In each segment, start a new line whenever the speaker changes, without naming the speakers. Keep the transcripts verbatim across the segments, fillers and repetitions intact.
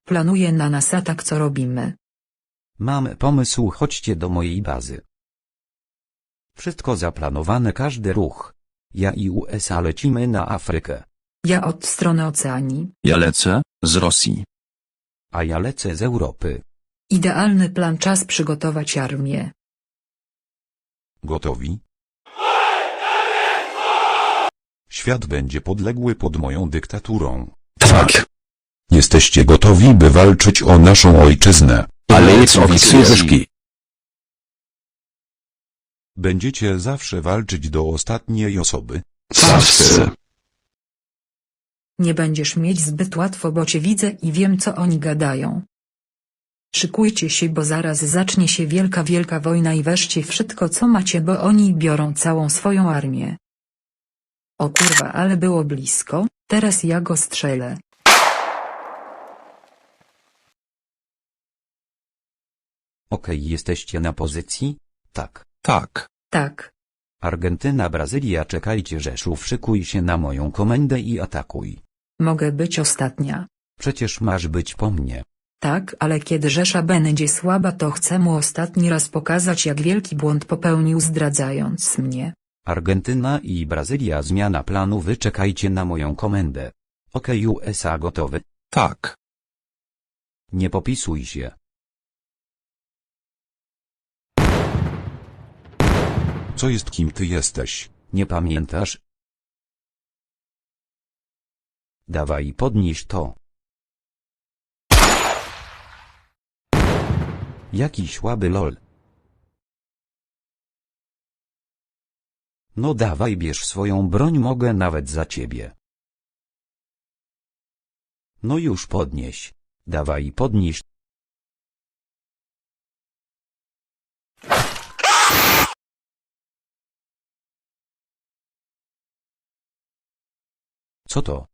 Planuje na nas atak, co robimy?
Mam pomysł, chodźcie do mojej bazy. Wszystko zaplanowane, każdy ruch. Ja i U S A lecimy na Afrykę.
Ja od strony oceanii.
Ja lecę, z Rosji.
A ja lecę z Europy.
Idealny plan, czas przygotować armię.
Gotowi? Świat będzie podległy pod moją dyktaturą.
Tak.
Jesteście gotowi, by walczyć o naszą ojczyznę.
Ale jest oficerski.
Będziecie zawsze walczyć do ostatniej osoby.
Zawsze.
Nie będziesz mieć zbyt łatwo, bo cię widzę i wiem, co oni gadają. Szykujcie się, bo zaraz zacznie się wielka wielka wojna i weźcie wszystko, co macie, bo oni biorą całą swoją armię. O kurwa, ale było blisko, teraz ja go strzelę.
Okej, jesteście na pozycji? Tak.
Tak.
Tak.
Argentyna, Brazylia, czekajcie, Rzeszów, szykuj się na moją komendę i atakuj.
Mogę być ostatnia.
Przecież masz być po mnie.
Tak, ale kiedy Rzesza będzie słaba, to chcę mu ostatni raz pokazać, jak wielki błąd popełnił, zdradzając mnie.
Argentyna i Brazylia, zmiana planu, wy czekajcie na moją komendę. Okej, U S A gotowy?
Tak.
Nie popisuj się.
Co jest, kim ty jesteś?
Nie pamiętasz? Dawaj, podnieś to. Jaki słaby lol. No dawaj, bierz swoją broń, mogę nawet za ciebie. No już podnieś. Dawaj, podnieś. Co to?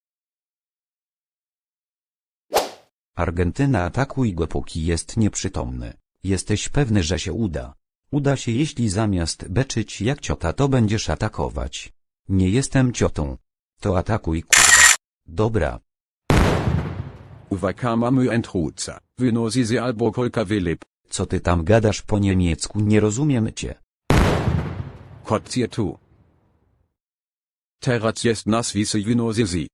Argentyna, atakuj go, póki jest nieprzytomny. Jesteś pewny, że się uda? Uda się, jeśli zamiast beczyć jak ciota, to będziesz atakować. Nie jestem ciotą. To atakuj, kurwa. Dobra.
Uwakama entruca, wynosi albo kolka wylip.
Co ty tam gadasz po niemiecku, nie rozumiem cię.
Kotzie tu. Teraz jest nas wisi wynosi.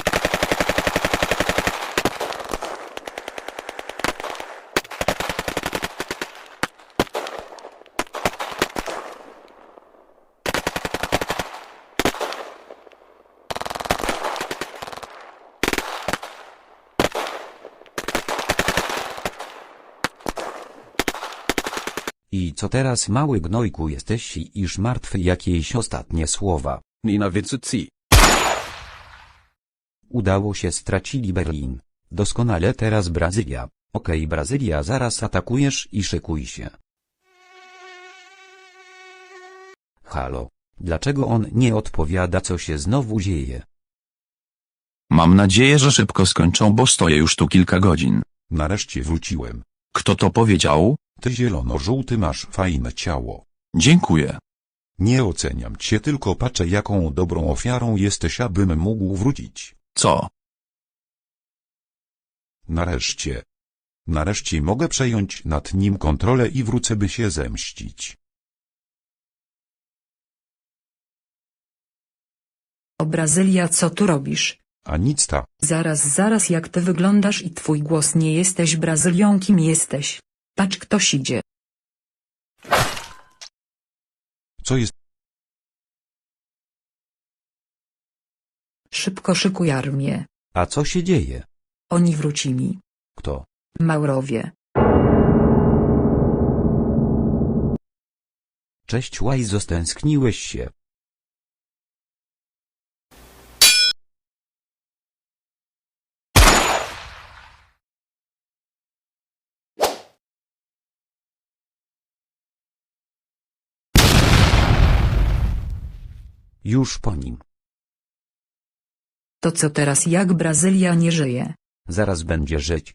I co teraz, mały gnojku, jesteś iż martwy? Jakieś ostatnie słowa?
Nina Witzuzi.
Udało się, stracili Berlin. Doskonale, teraz Brazylia. Okej, Brazylia, zaraz atakujesz i szykuj się. Halo. Dlaczego on nie odpowiada, co się znowu dzieje?
Mam nadzieję, że szybko skończą, bo stoję już tu kilka godzin.
Nareszcie wróciłem.
Kto to powiedział?
Ty zielono-żółty, masz fajne ciało.
Dziękuję.
Nie oceniam cię, tylko patrzę, jaką dobrą ofiarą jesteś, abym mógł wrócić.
Co?
Nareszcie. Nareszcie mogę przejąć nad nim kontrolę i wrócę, by się zemścić.
O Brazylia, co tu robisz?
A nic ta.
Zaraz, zaraz, jak ty wyglądasz i twój głos, nie jesteś Brazylią, kim jesteś? Patrz, ktoś idzie.
Co jest?
Szybko szykuj armię.
A co się dzieje?
Oni wrócili.
Kto?
Maurowie.
Cześć Łajzo, stęskniłeś się. Już po nim.
To co teraz, jak Brazylia nie żyje?
Zaraz będzie żyć.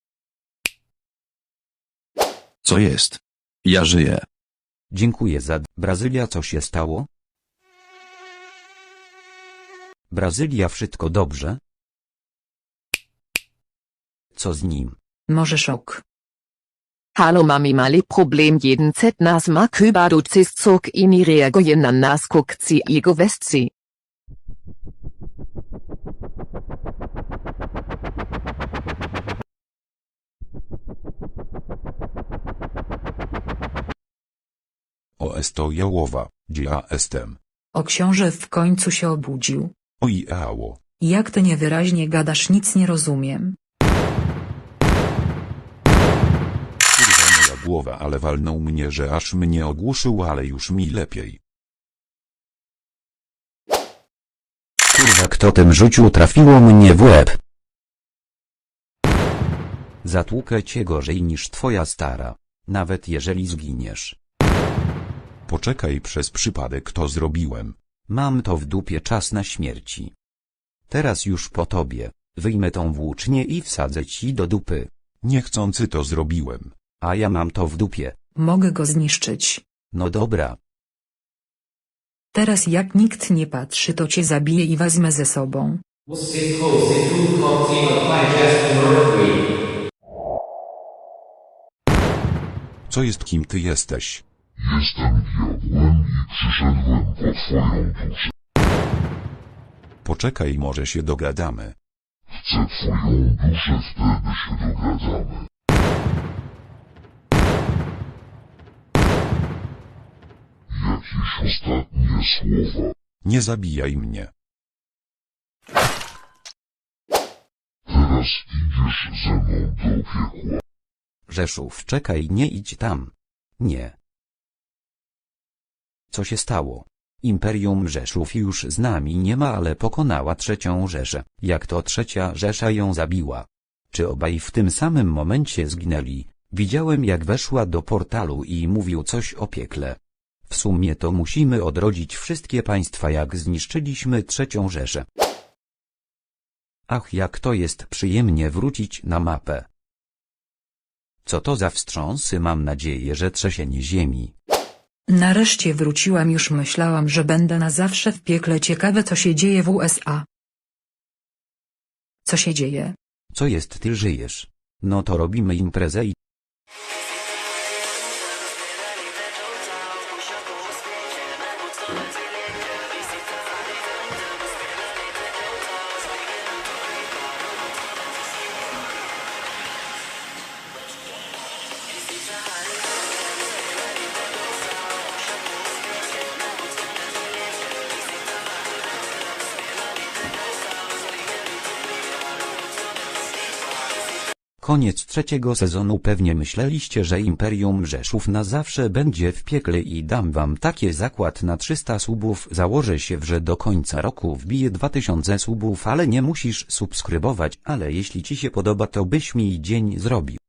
Co jest? Ja żyję.
Dziękuję za... Brazylia, co się stało? Brazylia, wszystko dobrze? Co z nim?
Może szok.
Hallo Mami mali Problem jeden Z nas ma Küba du zist zog ini reagieren na nas guckt sie ego west sie.
O esto jałowa, gdzie ja jestem.
O książę w końcu się obudził.
Oj ało.
Jak ty niewyraźnie gadasz, nic nie rozumiem.
Kurwa moja głowa, ale walnął mnie, że aż mnie ogłuszył, ale już mi lepiej.
Kurwa, kto tym rzucił, trafiło mnie w łeb. Zatłukę cię gorzej niż twoja stara. Nawet jeżeli zginiesz.
Poczekaj, przez przypadek to zrobiłem.
Mam to w dupie, czas na śmierci. Teraz już po tobie. Wyjmę tą włócznię i wsadzę ci do dupy.
Niechcący to zrobiłem.
A ja mam to w dupie.
Mogę go zniszczyć.
No dobra.
Teraz jak nikt nie patrzy, to cię zabiję i wezmę ze sobą.
Co jest, kim ty jesteś?
Jestem diabłem i przyszedłem po twoją duszę.
Poczekaj, może się dogadamy.
Chcę twoją duszę, wtedy się dogadamy. Jakieś ostatnie słowa.
Nie zabijaj mnie.
Teraz idziesz ze mną do piekła.
Rzeszów, czekaj, nie idź tam. Nie. Co się stało? Imperium Rzeszów już z nami nie ma, ale pokonała trzecią Rzeszę. Jak to trzecia Rzesza ją zabiła? Czy obaj w tym samym momencie zginęli? Widziałem, jak weszła do portalu i mówił coś o piekle. W sumie to musimy odrodzić wszystkie państwa, jak zniszczyliśmy trzecią Rzeszę. Ach, jak to jest przyjemnie wrócić na mapę. Co to za wstrząsy, mam nadzieję, że trzęsienie ziemi.
Nareszcie wróciłam, już myślałam, że będę na zawsze w piekle. Ciekawe, co się dzieje w U S A. Co się dzieje?
Co jest, ty żyjesz? No to robimy imprezę i... Koniec trzeciego sezonu. Pewnie myśleliście, że Imperium Rzeszów na zawsze będzie w piekle i dam wam takie zakład na trzysta subów. Założę się, że do końca roku wbiję dwa tysiące subów, ale nie musisz subskrybować, ale jeśli ci się podoba, to byś mi dzień zrobił.